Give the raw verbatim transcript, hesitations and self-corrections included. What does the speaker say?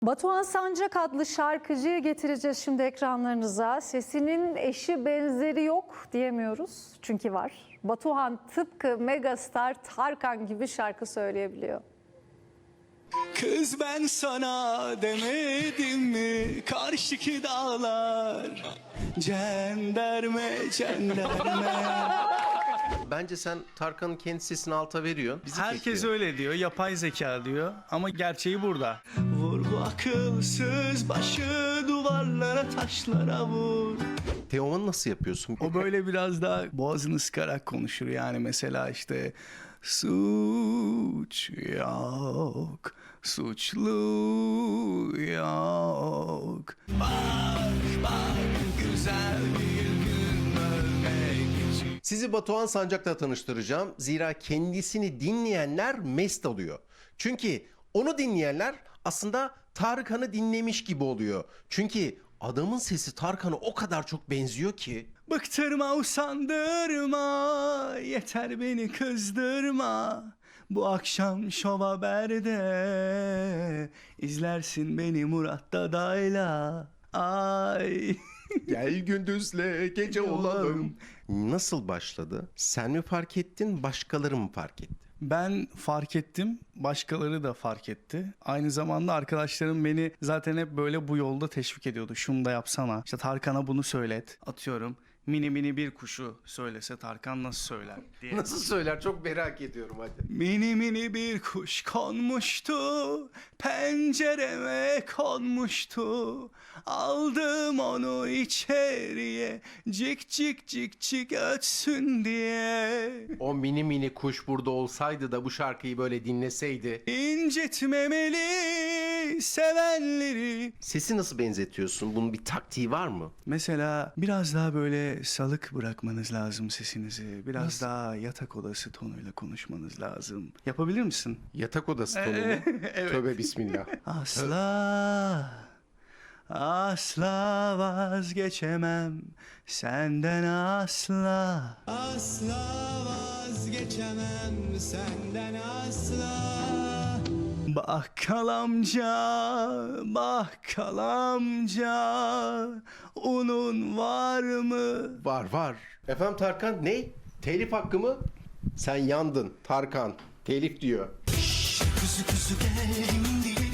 Batuhan Sancak adlı şarkıcıyı getireceğiz şimdi ekranlarınıza. Sesinin eşi benzeri yok diyemiyoruz çünkü var. Batuhan tıpkı megastar Tarkan gibi şarkı söyleyebiliyor. Kız ben sana demedim mi karşıki dağlar cenderme cenderme. Bence sen Tarkan'ın kendi sesini alta veriyorsun. Bizi Herkes çekiyor. öyle diyor, yapay zeka diyor ama gerçeği burada. Vur bu akılsız başı duvarlara taşlara vur. Teoman'ı nasıl yapıyorsun? O böyle biraz daha boğazını sıkarak konuşur yani, mesela işte suç yok, suçlu yok. Bak bak güzel bir gün ölmek için. Sizi Batuhan Sancak'la tanıştıracağım. Zira kendisini dinleyenler mest oluyor. Çünkü onu dinleyenler aslında Tarkan'ı dinlemiş gibi oluyor. Çünkü adamın sesi Tarkan'a o kadar çok benziyor ki. Bıktırma, usandırma, yeter beni kızdırma. Bu akşam Şov Haber'de izlersin beni Murat Dadayla. Ay. Gel gündüzle gece olalım. Nasıl başladı? Sen mi fark ettin, başkaları mı fark etti? Ben fark ettim, başkaları da fark etti. Aynı zamanda arkadaşlarım beni zaten hep böyle bu yolda teşvik ediyordu. Şunu da yapsana, İşte Tarkan'a bunu söylet. Atıyorum, mini mini bir kuşu söylese Tarkan nasıl söyler diye. Nasıl söyler, çok merak ediyorum hadi. Mini mini bir kuş konmuştu, pencereme konmuştu. Aldım onu içeriye, cik cik cik cik ötsün diye. O mini mini kuş burada olsaydı da bu şarkıyı böyle dinleseydi. İncitmemeli sevenleri. Sesi nasıl benzetiyorsun? Bunun bir taktiği var mı? Mesela biraz daha böyle salık bırakmanız lazım sesinizi. Biraz daha yatak odası tonuyla konuşmanız lazım. Yapabilir misin? Yatak odası tonu mu? Evet. Tövbe bismillah. Asla, asla vazgeçemem senden asla. Asla vazgeçemem senden asla. Bakkal amca, bakkal amca, unun var mı? Var var. Efendim Tarkan ne? Telif hakkı mı? Sen yandın Tarkan. Telif diyor. Kuzu kuzu geldim dilim